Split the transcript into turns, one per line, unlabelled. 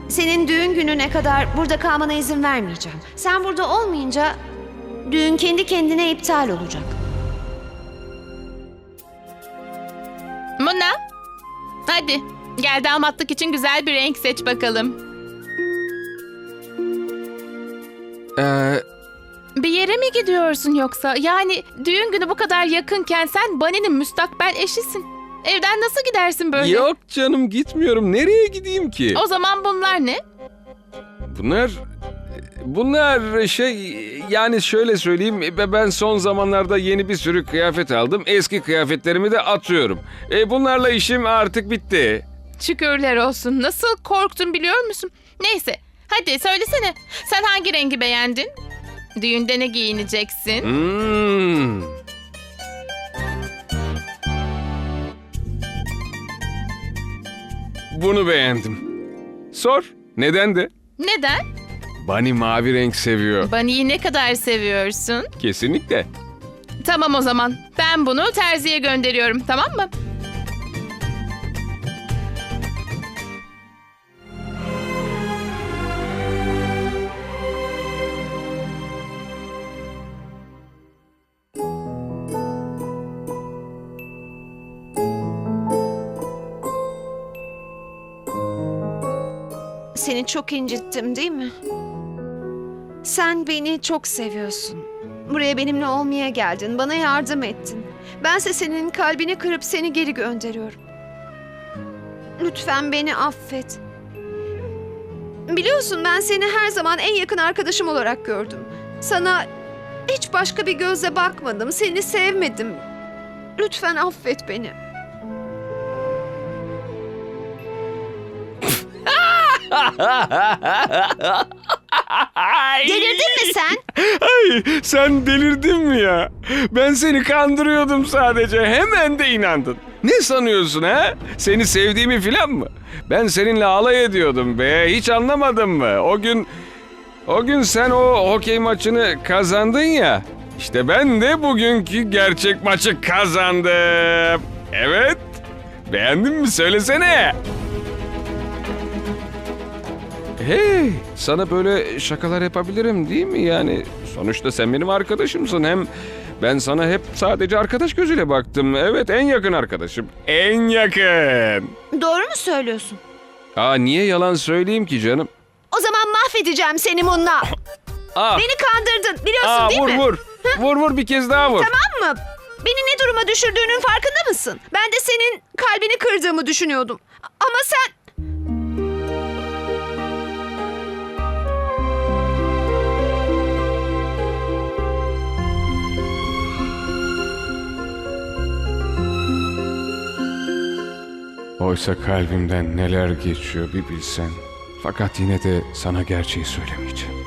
Senin düğün gününe kadar burada kalmana izin vermeyeceğim. Sen burada olmayınca düğün kendi kendine iptal olacak.
Muna, hadi gel damatlık için güzel bir renk seç bakalım. Bir yere mi gidiyorsun yoksa? Yani düğün günü bu kadar yakınken sen Bunny'nin müstakbel eşisin. Evden nasıl gidersin böyle?
Yok canım, gitmiyorum. Nereye gideyim ki?
O zaman bunlar ne?
Bunlar yani şöyle söyleyeyim, ben son zamanlarda yeni bir sürü kıyafet aldım. Eski kıyafetlerimi de atıyorum. Bunlarla işim artık bitti.
Şükürler olsun. Nasıl korktun biliyor musun? Neyse, hadi söylesene. Sen hangi rengi beğendin? Düğünde ne giyineceksin?
Bunu beğendim. Sor, neden de?
Neden?
Bunny mavi renk seviyor.
Bunny'yi ne kadar seviyorsun?
Kesinlikle.
Tamam o zaman. Ben bunu terziye gönderiyorum, tamam mı?
Seni çok incittim değil mi? Sen beni çok seviyorsun. Buraya benimle olmaya geldin, bana yardım ettin. Bense senin kalbini kırıp seni geri gönderiyorum. Lütfen beni affet. Biliyorsun ben seni her zaman en yakın arkadaşım olarak gördüm. Sana hiç başka bir gözle bakmadım, seni sevmedim. Lütfen affet beni. Delirdin mi sen?
Ay, sen delirdin mi ya? Ben seni kandırıyordum sadece. Hemen de inandın. Ne sanıyorsun ha? Seni sevdiğimi filan mı? Ben seninle alay ediyordum be. Hiç anlamadın mı? O gün sen o hokey maçını kazandın ya. İşte ben de bugünkü gerçek maçı kazandım. Evet. Beğendin mi? Söylesene. Hey, sana böyle şakalar yapabilirim değil mi yani? Sonuçta sen benim arkadaşımsın. Hem ben sana hep sadece arkadaş gözüyle baktım. Evet, en yakın arkadaşım. En yakın.
Doğru mu söylüyorsun?
Niye yalan söyleyeyim ki canım?
O zaman mahvedeceğim seni Munna. Beni kandırdın biliyorsun değil mi?
Vur. Vur bir kez daha vur.
Tamam mı? Beni ne duruma düşürdüğünün farkında mısın? Ben de senin kalbini kırdığımı düşünüyordum. Ama sen...
Oysa kalbimden neler geçiyor bir bilsen. Fakat yine de sana gerçeği söylemeyeceğim.